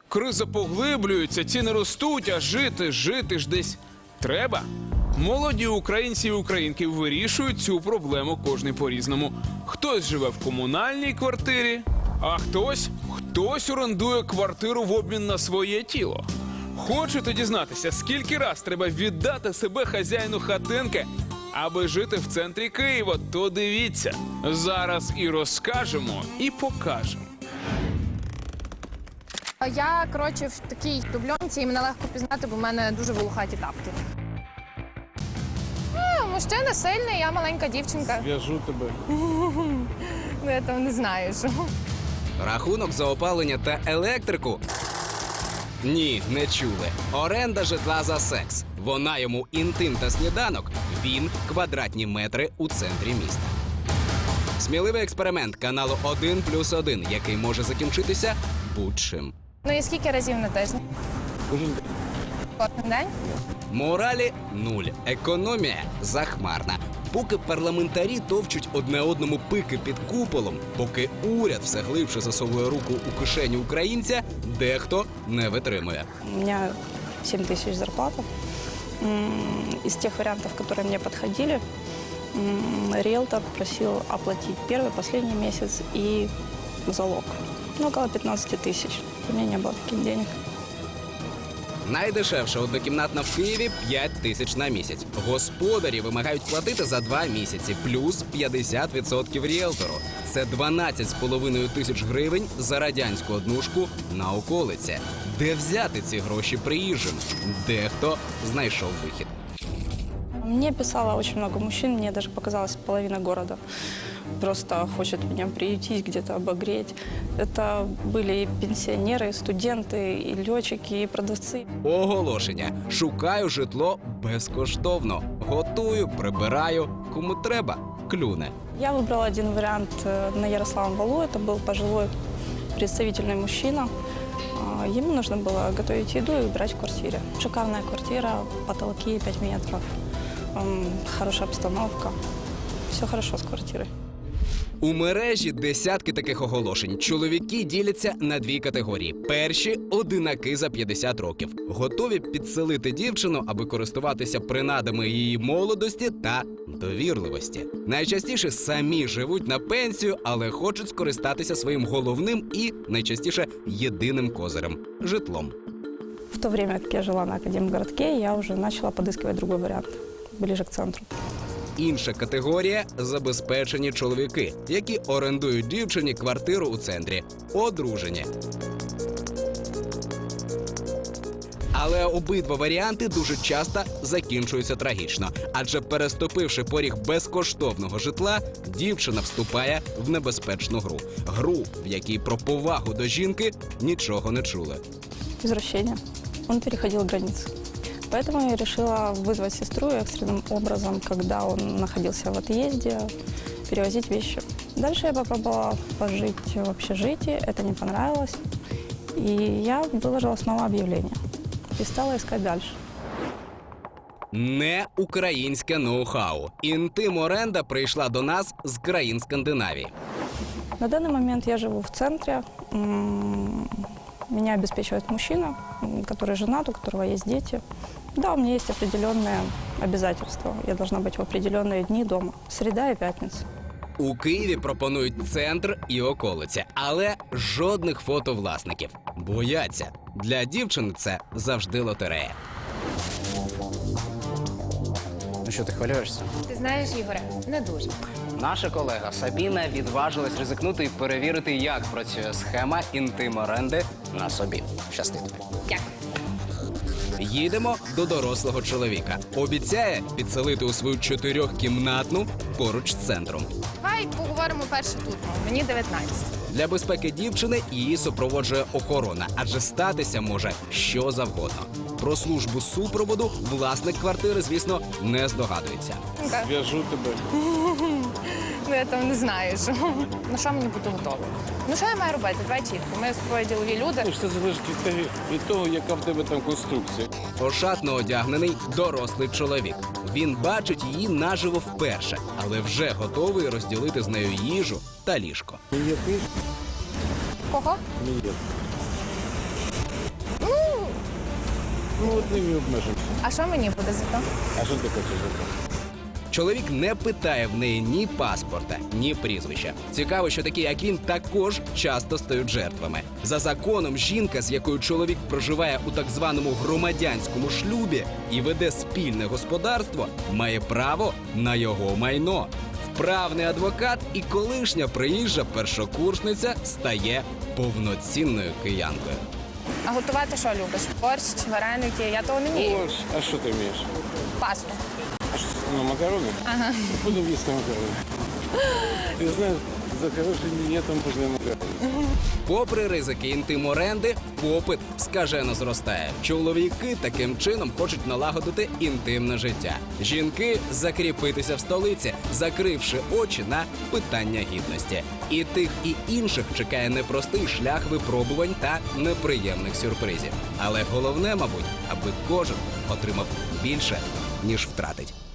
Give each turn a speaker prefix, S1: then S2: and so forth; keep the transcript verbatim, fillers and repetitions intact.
S1: Криза поглиблюється, ціни ростуть, а жити, жити ж десь треба. Молоді українці і українки вирішують цю проблему кожний по-різному. Хтось живе в комунальній квартирі, а хтось, хтось орендує квартиру в обмін на своє тіло. Хочете дізнатися, скільки раз треба віддати себе хазяїну хатинки, аби жити в центрі Києва? То дивіться, зараз і розкажемо, і покажемо.
S2: Я, коротше, в такій дубльонці, і мене легко пізнати, бо в мене дуже волохаті тапки. А, мужчина сильний, я маленька дівчинка.
S3: В'яжу тебе.
S2: Ну, я там не знаю, що.
S4: Рахунок за опалення та електрику? Ні, не чули. Оренда житла за секс. Вона йому інтим та сніданок, він квадратні метри у центрі міста. Сміливий експеримент каналу один плюс один, який може закінчитися будь-чим.
S2: Ну і скільки разів на тиждень?
S3: Кожен день.
S2: Кожен день?
S4: Моралі нуль. Економія захмарна. Поки парламентарі товчуть одне одному пики під куполом, поки уряд все глибше засовує руку у кишеню українця, дехто не витримує.
S5: У меня семь тысяч зарплата. М, Из тех вариантов, которые мне подходили, м, риэлтор просил оплатить первый, последний месяц и залог. Ну, около пятнадцать тысяч. У меня не было таких денег.
S4: Найдешевша однокімнатна в Києві – п'ять тисяч на місяць. Господарі вимагають платити за два місяці, плюс п'ятдесят відсотків ріелтору. Це дванадцять з половиною тисяч гривень за радянську однушку на околиці. Де взяти ці гроші приїжджим? Дехто знайшов вихід.
S5: Мне писало очень много мужчин, мне даже показалось половина города. Просто хочет меня приютить, где-то обогреть. Это были и пенсионеры, и студенты, и летчики, и продавцы.
S4: Оголошення. Шукаю житло безкоштовно. Готую, прибираю. Кому треба – клюне.
S5: Я выбрала один вариант э, на Ярославом валу. Это был пожилой представительный мужчина. А, Ему нужно было готовить еду и убирать в квартире. Шикарная квартира, потолки пять метров, м, хорошая обстановка. Все хорошо с квартирой.
S4: У мережі десятки таких оголошень. Чоловіки діляться на дві категорії. Перші – одинаки за п'ятдесят років. Готові підселити дівчину, аби користуватися принадами її молодості та довірливості. Найчастіше самі живуть на пенсію, але хочуть скористатися своїм головним і, найчастіше, єдиним козирем – житлом.
S5: В то время, как я жила на Академгородке, я уже начала подыскивать другой вариант, ближе к центру.
S4: Інша категорія – забезпечені чоловіки, які орендують дівчині квартиру у центрі. Одружені. Але обидва варіанти дуже часто закінчуються трагічно. Адже переступивши поріг безкоштовного житла, дівчина вступає в небезпечну гру. Гру, в якій про повагу до жінки нічого не чули.
S5: Извращение. Он переходил границы. Поэтому я решила вызвать сестру и экстренным образом, когда он находился в отъезде, перевозить вещи. Дальше я попробовала пожить в общежитии, это не понравилось. И я выложила снова объявление и стала искать дальше.
S4: Не українське ноу-хау. Інтим-оренда прийшла до нас з країн Скандинавії.
S5: На данный момент я живу в центре. М, Меня обеспечивает мужчина, м, который женат, у которого есть дети. Да, у меня есть определенные обязательства. Я должна быть в определенные дни дома. Среда и пятница.
S4: У Києві пропонують центр і околиці, але жодних фото власників. Бояться. Для дівчини це завжди лотерея.
S6: Ну що, ти хвилюєшся?
S2: Ти знаєш, Ігоре, не дуже.
S6: Наша колега Сабіна відважилась ризикнути і перевірити, як працює схема інтим-оренди на собі. Щасти тобі.
S2: Дякую.
S4: Їдемо до дорослого чоловіка. Обіцяє підселити у свою чотирьохкімнатну поруч з центром.
S2: Давай поговоримо перше тут. Мені дев'ятнадцять.
S4: Для безпеки дівчини її супроводжує охорона, адже статися може що завгодно. Про службу супроводу власник квартири, звісно, не здогадується.
S3: В'яжу тебе.
S2: Ну, я там не знаю, що. На що мені бути готовою? Ну, що я маю робити? Давай чітко. Ми з тобою ділові люди.
S3: Ну, Це залежить від того, від того, яка в тебе там конструкція.
S4: Ошатно одягнений дорослий чоловік. Він бачить її наживо вперше, але вже готовий розділити з нею їжу та ліжко.
S3: Мені ти?
S2: Кого?
S3: Мені. Ну, от ними обмежимося.
S2: А що мені буде за то?
S3: А що ти хочеш за це?
S4: Чоловік не питає в неї ні паспорта, ні прізвища. Цікаво, що такі, як він, також часто стають жертвами. За законом, жінка, з якою чоловік проживає у так званому громадянському шлюбі і веде спільне господарство, має право на його майно. Вправний адвокат і колишня приїжджа першокурсниця стає повноцінною киянкою.
S2: А готувати що любиш? Борщ, вареники? Я того не вмію.
S3: Ось, а що ти вмієш?
S2: Пасту.
S3: А що, ну, макарони? Ага. Будемо їсти макарони. Ти знаєш, за хорошим дієтом можна макарони.
S4: Попри ризики інтим-оренди, попит скажено зростає. Чоловіки таким чином хочуть налагодити інтимне життя. Жінки закріпитися в столиці, закривши очі на питання гідності. І тих, і інших чекає непростий шлях випробувань та неприємних сюрпризів. Але головне, мабуть, аби кожен отримав більше, ніж втратить.